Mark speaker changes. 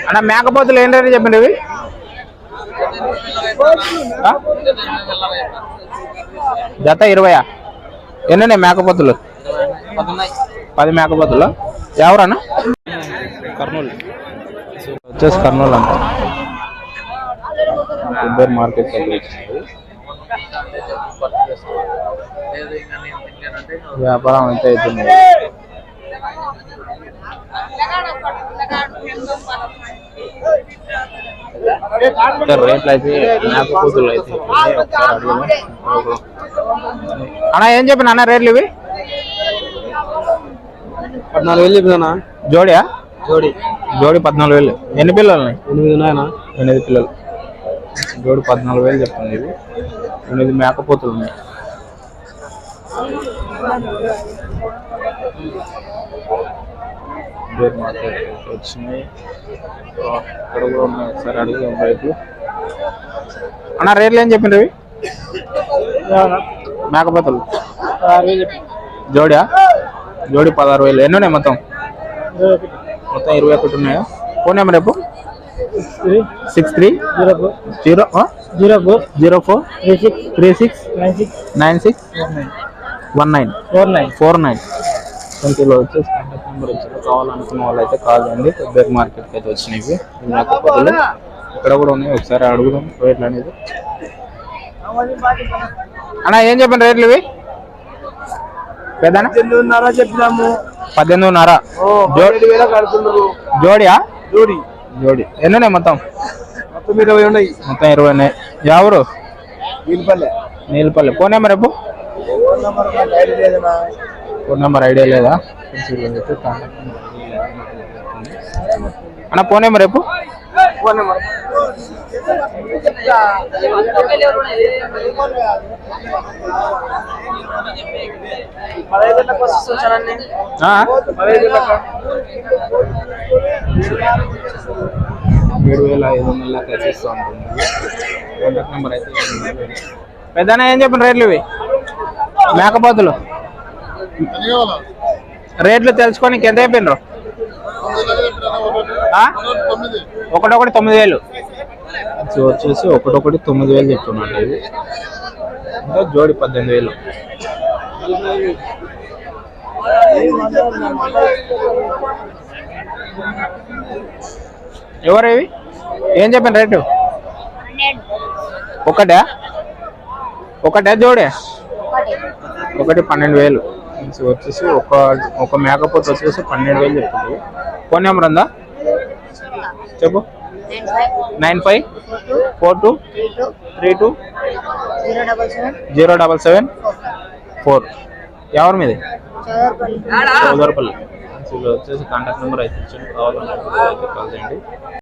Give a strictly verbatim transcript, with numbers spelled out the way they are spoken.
Speaker 1: అన్న మేకపోతులు ఏం రేటు చెప్పండి ఇవి? జత ఇరవయా? ఎన్ని మేకపోతులు? పది మేకపోతులు. ఎవరన్నా? కర్నూలు వచ్చేసి కర్నూలు అంట. ఇద్దరు మార్కెట్ వ్యాపారం అయితే అవుతుంది. రేట్లు అయితే మేకపోతులు అయితే అన్నా ఏం చెప్పిన అన్న రేట్లు ఇవి?
Speaker 2: పద్నాలుగు వేలు చెప్పినా.
Speaker 1: జోడియా?
Speaker 2: జోడి
Speaker 1: జోడి పద్నాలుగు వేలు. ఎన్ని పిల్లలు?
Speaker 2: ఎనిమిది ఉన్నాయనా?
Speaker 1: ఎనిమిది పిల్లలు. జోడి పద్నాలుగు వేలు చెప్తుంది. ఇవి ఎనిమిది మేకపోతులు ఉన్నాయి. వచ్చినాయి ఇక్కడ కూడా ఉన్నాయి. ఒకసారి అడుగుదాం రేట్లు. అన్న రేట్లు ఏం చెప్పిండ్రు ఇవి మేకపోతులు? జోడియా? జోడి పదహారు వేలు. ఎన్ని ఉన్నాయి మొత్తం? మొత్తం ఇరవై ఒకటి ఉన్నాయా? ఫోన్ నెంబర్ రేపు six three zero four zero zero four zero four three six three six nine six nine six one nine four nine four nine ట్వంటీలో వచ్చేసి కాంటాక్ట్ నెంబర్ వచ్చి కావాలనుకున్న వాళ్ళు అయితే కాల్ చేయండి. పెద్ద మార్కెట్కి అయితే వచ్చినాయి మేకపోతులు. ఇక్కడ కూడా ఉన్నాయి. ఒకసారి అడుగుదాం రేట్లు అనేది. అన్న ఏం చెప్పండి రేట్లు ఇవి? పెద్దనా
Speaker 2: చెప్పినాము.
Speaker 1: పద్దెనిమిదిన్నర. జోడియా?
Speaker 2: జోడి
Speaker 1: జోడి. ఎన్ని ఉన్నాయి మొత్తం?
Speaker 2: మొత్తం ఇరవై ఉన్నాయి.
Speaker 1: మొత్తం ఇరవై ఉన్నాయి. ఎవరు?
Speaker 2: నీలపల్లె.
Speaker 1: నీలపల్లె. ఫోన్ నెంబర్ రేపు? ఫోన్ నెంబర్ ఐడియా లేదా అన్న? ఫోన్ నెంబర్ రేపు?
Speaker 2: ఫోన్ నెంబర్
Speaker 1: ఏడు వేల ఐదు వందల ఖర్చిస్తూ ఉంటుంది. కాంటాక్ట్ నెంబర్ అయితే పెద్దనా ఏం చెప్పండి రేట్లు ఇవి మేకపోతులు? రేట్లు తెలుసుకోనికి ఎంత అయిపోయినరు? ఒకటొకటి తొమ్మిది వేలు వచ్చేసి ఒకటొకటి తొమ్మిది వేలు చెప్తున్నాండి. ఇవి ఇంకా జోడి పద్దెనిమిది వేలు. ఎవరు ఇవి? ఏం చెప్పండి రేటు? ఒకటే ఒకటే జోడే? ఒకటి పన్నెండు వేలు వచ్చేసి ఒక ఒక మేకపోతు వచ్చేసి పన్నెండు వేలు చెప్తుంది. ఫోన్ నెంబర్ ఉందా చెప్పు? Nine five four two three two zero double seven four. ఎవరి మీది? చౌదరపల్లి. వచ్చేసి కాంటాక్ట్ నెంబర్ అయితే కావాలన్నా కాల్ చేయండి.